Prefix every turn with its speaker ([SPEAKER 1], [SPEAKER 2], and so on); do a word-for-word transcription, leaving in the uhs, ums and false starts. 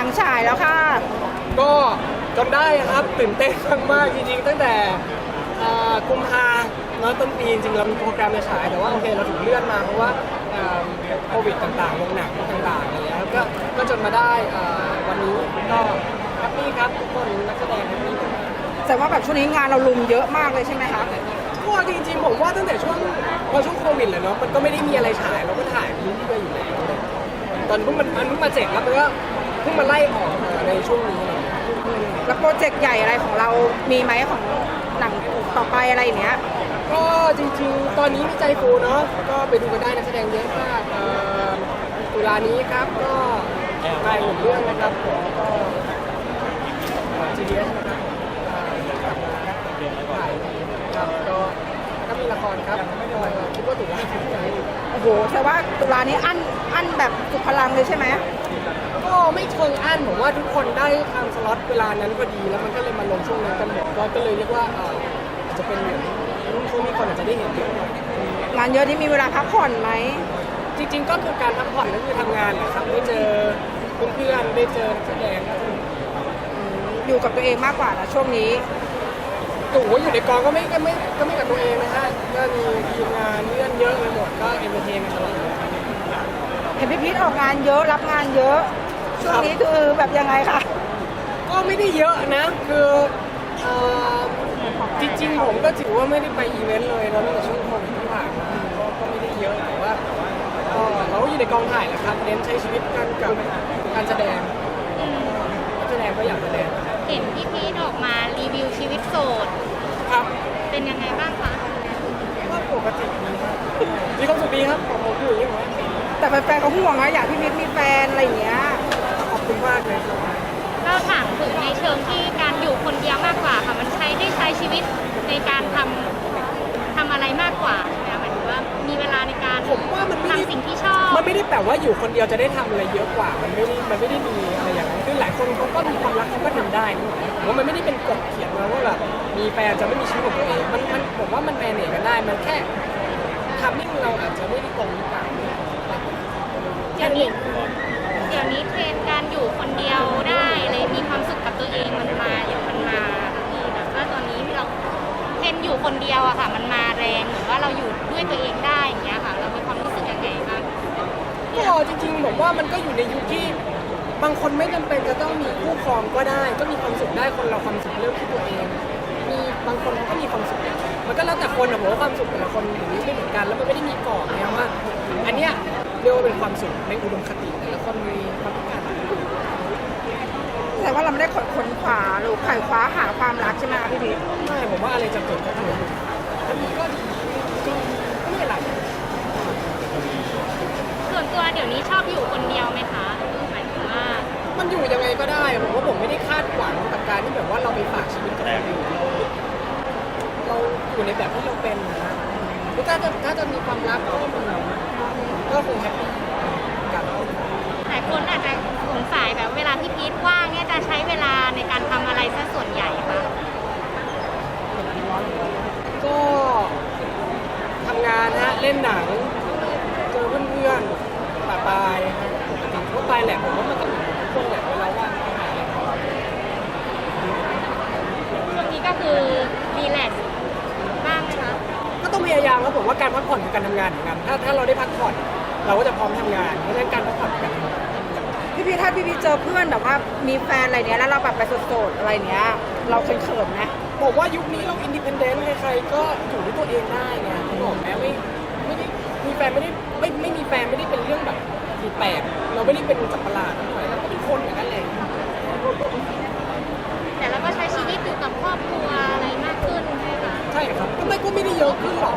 [SPEAKER 1] ฉายแล้วค่ะ
[SPEAKER 2] ก็จนได้ครับตื่นเต้นมากๆจริงๆตั้งแต่อ่ากุมภาเนาะต้นปีจริงๆเรามีโปรแกรมจะฉายแต่ว่าโอเคเราถูกเลื่อนมาเพราะว่าอ่าโควิดต่างๆลงหนังต่างๆอะไรอย่างเงี้ยครับก็ก็จนมาได้อ่าวันนี้ก็แฮปปี้ครับทุกคนนักแสดงแฮปปี้มาก
[SPEAKER 1] แต่ว่าแบบช่วงนี้งานเราลุมเยอะมากเลยใช่ไหมคะ
[SPEAKER 2] ก็จริงๆผมว่าตั้งแต่ช่วงพอช่วงโควิดเลยเนาะมันก็ไม่ได้มีอะไรฉายเราก็ถ่ายเรื่อยๆอยู่แล้วตอนเพิ่งมันมันเพิ่งมาเจ็ดแล้วมันก็เพิ่งมาไล่ออกมาในช่วงนี้
[SPEAKER 1] แล้วโปรเจกต์ใหญ่อะไรของเรามีไหมของหนังต่อไปอะไรอย่างเงี้ย
[SPEAKER 2] ก็จริงๆ ตอนนี้มีใจฟูเนาะก็ไปดูกันได้นักแสดงเยอะมากเอ่อตุลานี้ครับก็ถ่ายหนึ่งเรื่องนะครับผมก็ จี ดี เอส นะครับถ่ายครับก็ก็มีละครครับคิดว่าตุลา
[SPEAKER 1] โอ้โหแต่ว่าตุลานี้อั้นอั้นแบบสุดพลังเลยใช่ไหม
[SPEAKER 2] ก็ไม่เชิงอั้นผมว่าทุกคนได้ทางสล็อตเวลานั้นพอดีแล้วมันก็เลยมาลงช่วงนั้นกันหมดก็ก็เลยเรียกว่าอ่าอาจจะเป็นช่วงนี้คนอาจจะได้เห็นเยอะหน่อย
[SPEAKER 1] งานเยอะที่มีเวลาพักผ่อนไหม
[SPEAKER 2] จริงๆก็คือการพักผ่อนก็คือทำงานแหละครับได้เจอเพื่อนๆได้เจอนักแสดงก็สนุก
[SPEAKER 1] อยู่กับตัวเองมากกว่านะช่วงนี้
[SPEAKER 2] โอ้โหอยู่ในกองก็ไม่ก็ไม่ก็ไม่กับตัวเองนะฮะก็มีทีมงานเพื่อนเยอะไปหมดก็เอนเตอร์เทนกันตลอด
[SPEAKER 1] เห็นพี่พีทออกงานเยอะรับงานเยอะช่วงนี้คือแบบยังไงคะ
[SPEAKER 2] ก็ไม่ได้เยอะนะคือเอ่อจริงๆผมก็ถือว่าไม่ได้ไปอีเวนต์เลยนะตั้งแต่ช่วงโควิดที่ผ่านมาก็ก็ไม่ได้เยอะแต่ว่าก็เราก็อยู่ในกองถ่ายแหละครับเน้นใช้ชีวิตกันกับการแสดงนักแสดงก็อยากแสดง
[SPEAKER 3] เห็นพี่พีทออกมารีวิวชีวิตโสด
[SPEAKER 2] ครับ
[SPEAKER 3] เป็นยังไงบ้างคะ
[SPEAKER 2] ก็ปกติดีครับมีความสุขดีครับผมผมอยู่อย่างนี้
[SPEAKER 1] แต่แฟนๆเขาห่วงนะอยากพี่พีทมีแฟนอะไรอย่างเงี้ย
[SPEAKER 2] ขอบคุณมากเลยครับ
[SPEAKER 3] ก็ถามถึงในเชิงที่การอยู่คนเดียวมากกว่าค่ะมันใช้ได้ใช้ชีวิตในการทำทำอะไรมากกว่าใช่ไหมหมายถึงว่ามีเวลาในการ
[SPEAKER 2] ผมว่ามันไม่ได้
[SPEAKER 3] ทำสิ่งที่ชอบ
[SPEAKER 2] มันไม่ได้แปลว่าอยู่คนเดียวจะได้ทำอะไรเยอะกว่ามันไม่ได้มันไม่ได้มีอะไรอย่างนั้นคือหลายคนเขาก็มีความรักเขาก็ทำได้นะผมว่ามันไม่ได้เป็นกฎเขียนมาว่าแบบมีแฟนจะไม่มีชีวิตของตัวเองมันมันผมว่ามันแมเนจกันได้มันแค่ทำให้เราอาจจะไม่ได้ตรงหรือเปล่า
[SPEAKER 3] เดี๋ยวนี้เดี๋ยวนี้เทรนด์การอยู่คนเดียวได้เลยมีความสุขกับตัวเองมันมาอย่างมันมาค่ะพี่แบบว่าตอนนี้เราเทรนด์อยู่คนเดียวอะค่ะมันมาแรงหรือว่าเราอยู่ด้วยตัวเองได้อย่างเงี้ยค่ะเรามีความรู้สึกยังไงบ้าง
[SPEAKER 2] ก็จริงๆผมว่ามันก็อยู่ในยุคที่บางคนไม่จำเป็นจะต้องมีคู่ครองก็ได้ ก็มีความสุขได้คนเราความสุขเรื่องที่ตัวเองมีบางคนเขาก็มีความสุขมันก็แล้วแต่คนนะผมว่าความสุขแต่ละคนอย่างนี้ไม่เหมือนกันแล้วมันไม่ได้มีกรอบนะว่าอันเนี้ยเรียกว่าเป็นความสุขในอุดมคติแต่ละคนมีความต้องการ
[SPEAKER 1] แต่ว่าเราไม่ได้ขนขวาหรือไขว่คว้าหาความรักใช่ไหมคะพี่พีท
[SPEAKER 2] ไม่ผมว่าอะไรจะเกิดก็เกิดแล้วมันก็จริงก็ไม่อะไร
[SPEAKER 3] ส่วนตัวเดี๋ยวนี้ชอบอยู่คนเดียวไหมคะหมายถึงว่า
[SPEAKER 2] มันอยู่ยังไงก็ได้ผมว่าผมไม่ได้คาดหวังกับการที่แบบว่าเราไปฝากชีวิตกับคนอื่นเราเราอยู่ในแบบที่เราเป็นนะถ้าจะถ้าจะมีความรักก็ก็คงแฮปปี้กับ
[SPEAKER 3] หลายคนอาจจะสงสัยแบบเวลาที่พีทว่างเนี่ยจะใช้เวลาในการทำอะไรซะส่วนใหญ่คะ
[SPEAKER 2] ก็ทำงานฮะเล่นหนังเจอเพื่อนๆปะปายปกติทั่วไปแหละผมว่ามันก็เป็นช่วงแหละเวลาว่างก็หาอะไรทำ
[SPEAKER 3] ช่วงนี้ก็คือรีแลกซ์บ้างไหมคะ
[SPEAKER 2] ก็ต้องพยายามครับผมว่าการพักผ่อนคือการทำงานเหมือนกันถ้าถ้าเราได้พักผ่อนเราก็จะพร้อมทำงานเพราะฉะนั้นการพักผ่อนกัน
[SPEAKER 1] พี่พีทถ้าพี่พีทเจอเพื่อนแบบว่ามีแฟนอะไรเนี้ยแล้วเราแบบไปโสดๆอะไรเนี้ยเราเขินๆไหม
[SPEAKER 2] บอกว่ายุคนี้เราอินดิเพนเดนต์ใครๆก็อยู่ด้วยตัวเองได้ไงผมบอกแม้ไม่ไม่ได้มีแฟนไม่ได้ไม่ไม่มีแฟนไม่ได้เป็นเรื่องแบบผิดแปลกเราไม่ได้เป็นจักรประหลาดอะไรเราก็เป็นคนเหมือนกันแหละ
[SPEAKER 3] แต่เราก็ใช้ชีวิตอยู่กับครอบครัวอะไรมากขึ้นใช่ไหมคะ
[SPEAKER 2] ใช่ครับก็ไม่ก็ไม่ได้เยอะขึ้นหรอก